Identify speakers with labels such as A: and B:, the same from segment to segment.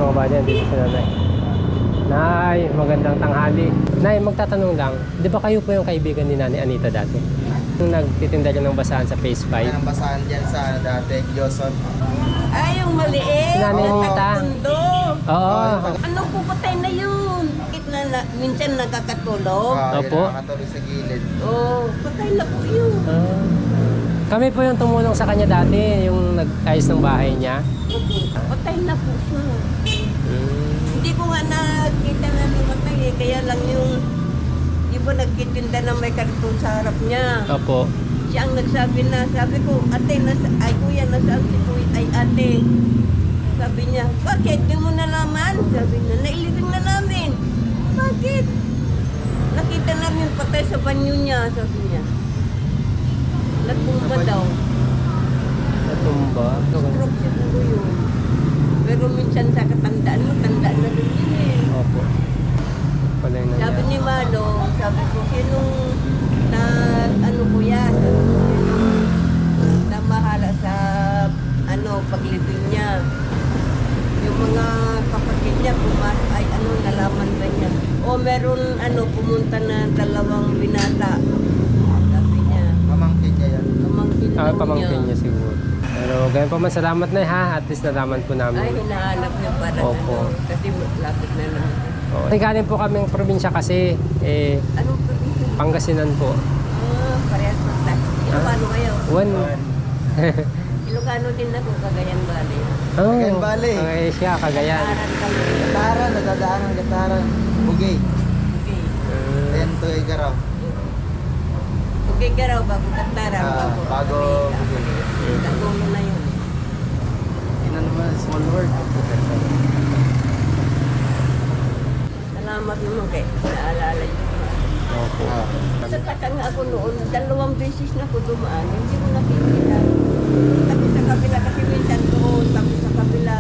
A: mga buddy, dito si Nanay. Nay, magandang tanghali. Nay, magtatanong lang, di ba kayo po yung kaibigan ni Nanay Anita dati? Yung nagtitinda rin ng basahan sa Phase 5?
B: Ang basahan dyan sa dati, Joson.
C: Ay, yung maliit.
A: Si Nanay
C: Yung
A: Anita.
C: taga-Tondo.
A: Oo.
C: Ano po, patay na yun. Minsan nagkakatulog.
A: Opo.
B: Yun, nakatuloy sa gilid.
C: Oo, patay na po yun.
A: Kami po yung tumulong sa kanya dati, yung nag-ayos ng bahay niya.
C: Patay na po siya. Hindi ko nga nakita na lumatay eh. Kaya lang yung iba nagkitinda na may karton sa harap niya.
A: Opo.
C: Siya ang nagsabi na, sabi ko, ate, ay kuya, nasaan si kuya, ay ate. Sabi niya, bakit? Di mo nalaman? Sabi niya, nailibing na namin. Bakit? Nakita namin patay sa banyo niya, sabi niya. Nagpumpa daw.
A: Natumba.
C: Stroke siguro yun. Pero minsan sa katandaan mo, tandaan na rin yun eh.
A: Opo. Pala yung
C: Sabi
A: nangyari.
C: ni Manong, sabi ko, sinong na ano ko yan, sabi ko, sinong namahala sa paglibing niya. Yung mga kapatid niya, ay nalaman ba niya? O meron pumunta na 2 binata. Sabi niya.
B: Pamangkin niya yan.
C: Pamangkin daw
A: Pamangkin niya siguro. Pero ganyan pa man, salamat na ha. At least nalaman po namin.
C: Ay, hinahanap niya para
A: Opo.
C: kasi lapit na lang.
A: Oh. Galing po kaming probinsya kasi,
C: Anong probinsya?
A: Pangasinan po.
C: Parehas pa tayo. Ilocano kayo?
A: One.
C: Ilocano din ako, Cagayan Valley.
A: Oh,
B: Cagayan Valley.
A: Siya, Cagayan.
C: Aran kami.
B: Gataran, nadadaan ng Gataran. Bugay.
C: Okay.
B: Ayan to, Igaraw.
C: Okay ka raw, bago Katara,
B: bago Bugay.
C: Tagulo na yun.
B: Yun na naman, small world.
C: Salamat naman kay naalala yun.
A: Opo.
C: Sa taka nga ako noon, 2 beses na ako dumaan, hindi mo nakikita. Tapi sa kabila, kasi minsan doon, tapi sa kabila.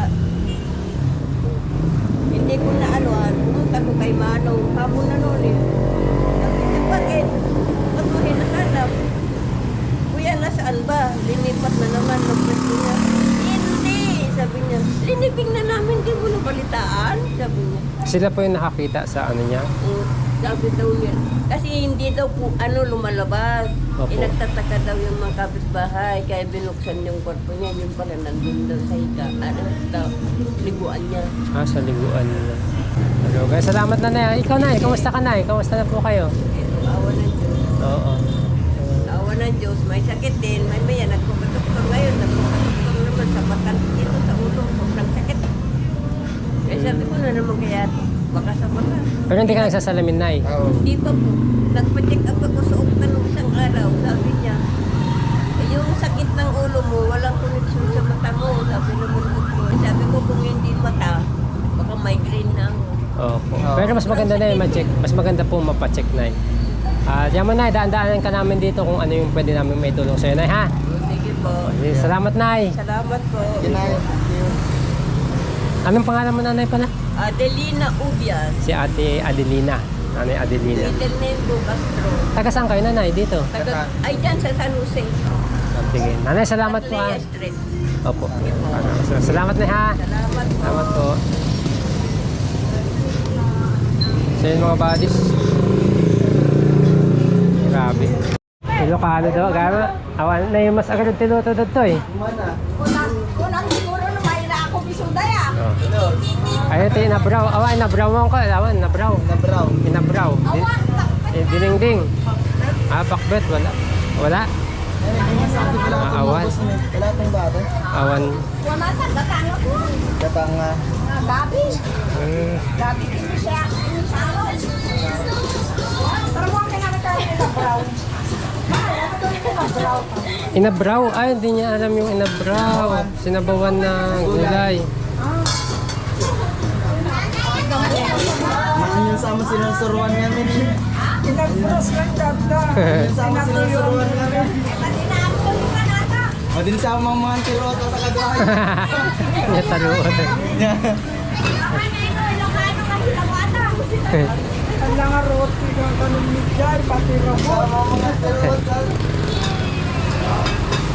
C: Hindi ko na pumunta ko kay Manong, hapon na noon eh. Sabi niya, bakit? Ba't mo hinahanap? Kuya, nasaan ba? Linipat na naman, nagpwesto niya. Hindi, sabi niya. Liniping na namin, di mo nabalitaan, sabi niya.
A: Sila po yung nakakita sa ano niya.
C: Sabi daw niya. Kasi hindi daw po lumalabas.
A: Opo.
C: Nagtataka daw yung mga kapitbahay. Kaya binuksan yung kwarto niya. Yung pala nandun daw sa higa. Daw, liguan niya.
A: Sa liguan nila. Hello guys, salamat na na. Ikaw na, kamusta ka na? Kamusta na po kayo?
C: Ito, awa ng Diyos.
A: Oo.
C: Awa ng Diyos. May sakit din. May maya, nagpukatuktok ngayon. Nagpukatuktok naman sa matan. Ito sa ulo. Sobrang sakit. Kaya sabi ko na naman kaya baka sa mata.
A: Pero hindi ka nagsasalamin, Nay.
B: Oo.
C: Hindi pa po. Nagpa-check up ako sa Okta nung isang araw. Sabi niya, yung sakit ng ulo mo, walang connection sa mata mo. Sabi naman ko. Sabi ko kung hindi mata, baka migraine na ako.
A: Opo. Pero mas maganda na yung ma-check. Mas maganda po mapacheck, Nay. Diyan mo, Nay. Daan-daanan ka namin dito kung ano yung pwede namin may tulong sa'yo, Nay, ha?
C: Sige po.
A: Salamat, Nay.
C: Salamat po.
B: Yun na, thank you.
A: Anong pangalan mo, Nanay, pala?
C: Adelina Ubias.
A: Si Ate Adelina. Nanay Adelina.
C: Middle name ko Castro.
A: Taga saan kayo, Nanay? Dito?
C: Ay, dyan sa San Jose.
A: Sige. Nanay, salamat po, ha?
C: Atlea Street.
A: Opo. Salamat na, ha?
C: Salamat po.
A: Salamat po. So yun mga buddies. Grabe. Ilocano daw, gama. Awan na yung mas agad tinuto to eh.
B: Kumana.
C: Kunang siguro na may na ako bisuda ya.
A: Oh.
B: Ano?
A: Ayun ito, inabraw. Awan, inabrawan ko. Awan, inabraw.
B: Nabraw.
A: Inabraw. Ding-ding. Pakbet, wala. Wala. Awan.
B: Wala itong bata.
A: Awan.
C: Wala ka, datang ako.
B: Gatang
C: Gabi.
A: Hmm.
C: Gabi din siya. Pero mo ka naman tayo na brown.
A: Inabraw. Ay, hindi niya alam yung inabraw. Sinabawan ng gulay.
B: Yung sama sinusuruan namin.
C: Pinagpros lang ganda.
B: Yung sama sinusuruan namin. O din sa mga tiro at takagawa.
A: Niya taluan.
C: Ang nga roti ng kanong midjay, pati robot.
B: Mga tiro at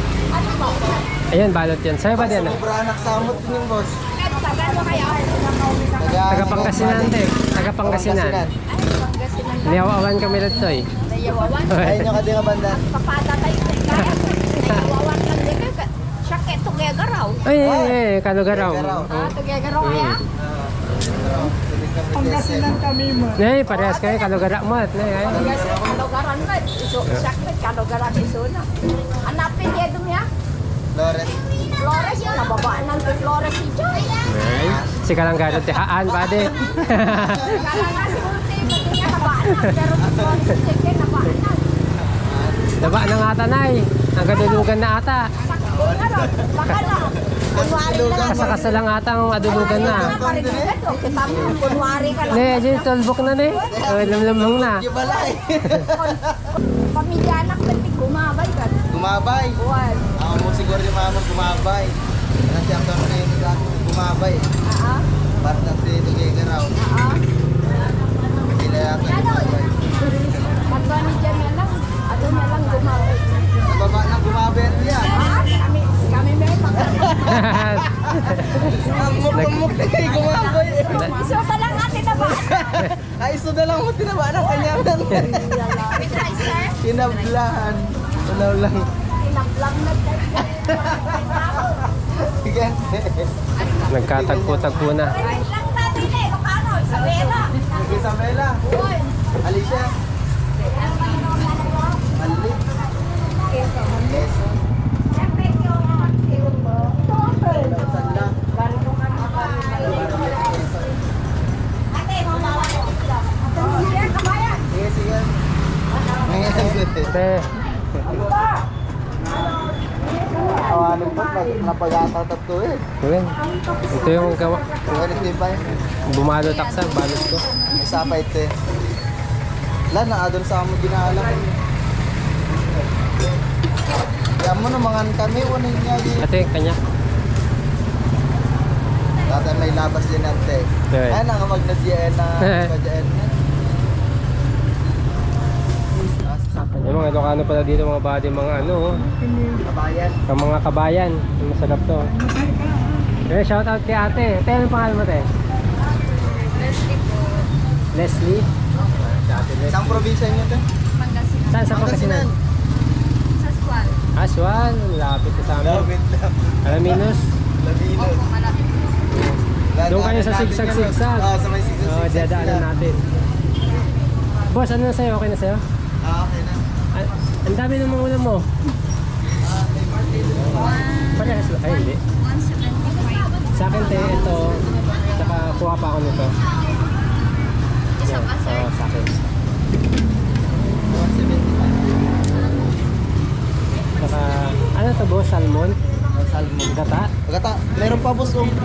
A: Ayun, balot yan. Sa'yo ba din?
B: sobra anak samot din yung boss.
C: Tagal mo kaya?
A: Taga Pangasinan, te. Taga Pangasinan.
C: Ay, Pangasinan.
A: Niyawawan kami dito eh.
C: Nayawawan.
B: Ay, nyo ka din ka banda.
C: Papada tayo sa kaya. Nayawawan lang din ka. Siya kaya tugegaraw.
A: Ay, Kalugaraw.
B: Kalugaraw.
C: Ah, tugegaraw kaya?
B: Pangasinan kami mo.
A: Nay, parehas kayo, Kalugara mo. Nay, ay.
C: Yes, kalugaran mo. Iso, siya kaya kalugaran iso na. Hanapin niya dun ya.
B: Flores.
C: Flores, nababaan ng Flores si Joy.
A: Ay, si Kalanggaro, tihaan, pade.
C: Kala nga si Ulti, pati niya nabaan na. Pero Flores si Joy, nabaan na.
A: Daba ng ata, Nay. Ang kadulugan na ata.
C: Sakto na ron. Baka na. Kunwari na lang.
A: Kasakasa lang ata ang adulugan na.
C: Kita mo, kunwari ka lang.
A: Ne, dyan, tolbok na, ne. Oh, lamlamang na.
B: Di balay.
C: Pamilya anak pati gumabay ka.
B: Gumabay.
C: Buwan.
B: Ako mo siguro yung mama gumabay. Kasi ang doon na yung dati gumabay.
C: Ah,
B: Para na si Tugigaraw.
C: ah.
B: Sila yata gumabay.
C: Pagka ni Jan na lang, ato na lang gumabay.
B: Nababa na gumabay yan.
C: Ah, kami may
B: Ang mukmuk na yung gumabay.
C: Iso ka lang ate na ba?
B: Ay, iso na lang mo tinaba ng kanyaman.
C: With rice, sir?
B: Tinablahan. Wala lang.
C: Tinaplang na
B: Sige.
A: Nagkatagpo-tagpo na.
C: Rice lang natin eh, Lokano, Isabela.
B: Isabela.
C: Buwan.
B: Alicia. Ali. Quezon.
C: Siyempre, yung mo.
B: Sanda.
C: Ganito ka na ate, mamawa ko sila. Sige, kabayan.
B: Sige, sige. Ngayon.
A: Te,
B: Awanin po, napag-atatat ko eh.
A: yun. Ito yung gawa.
B: Ganit din ba yun?
A: Bumalo taksa, balot ko.
B: Isa pa ito eh. Wala, naadol sa amo ginaalam. Kaya mo naman kami, unin niya yun.
A: Ate, kanya.
B: Dati may labas din ante.
A: Okay.
B: Ay, nangamag-nadyan na kadyan.
A: Yung mga Ilocano pala dito, mga body, mga ano, oh.
B: Kabayan.
A: Ang mga kabayan. Masarap to. Eh, shout out kay ate. Ate, anong pangalan mo, te?
C: Leslie po.
A: Leslie? Si ate Leslie.
B: Isang probinsya niyo ito?
C: Pangasinan.
A: Saan sa Pangasinan?
C: Sa Swan.
A: Aswan, lapit ko sa amin.
B: Lapit lang.
A: Alaminos.
B: Lavino.
C: Opo, malapit.
A: Doon kayo sa sigsag-sigsag.
B: Oo, sa may sigsag-sigsag.
A: Oo, dadaanan natin. Boss, ano na sa'yo? Okay na sa'yo?
B: Okay na.
A: Ay, ang dami ng mga ulam mo. Parehas ba? Ay, hindi.
C: 175.
A: Sa akin, te, ito. Tsaka kuha pa ako nito.
C: Isa ba, sir?
A: Oo, sa akin.
B: 175.
A: Tsaka, ano to, boss? Salmon?
B: Salmon.
A: Gata?
B: Pagkata, meron pa boss oh.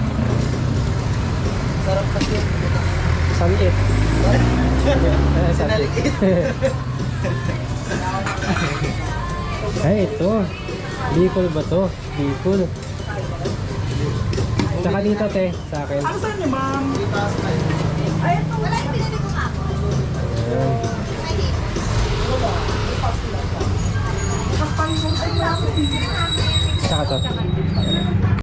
B: Sarap kasi.
A: Sanit.
B: Sinaliit.
A: Ay, ito. Bicol ba to? Bicol. Tsaka dito, te, sa akin.
B: Saan niyo ma'am?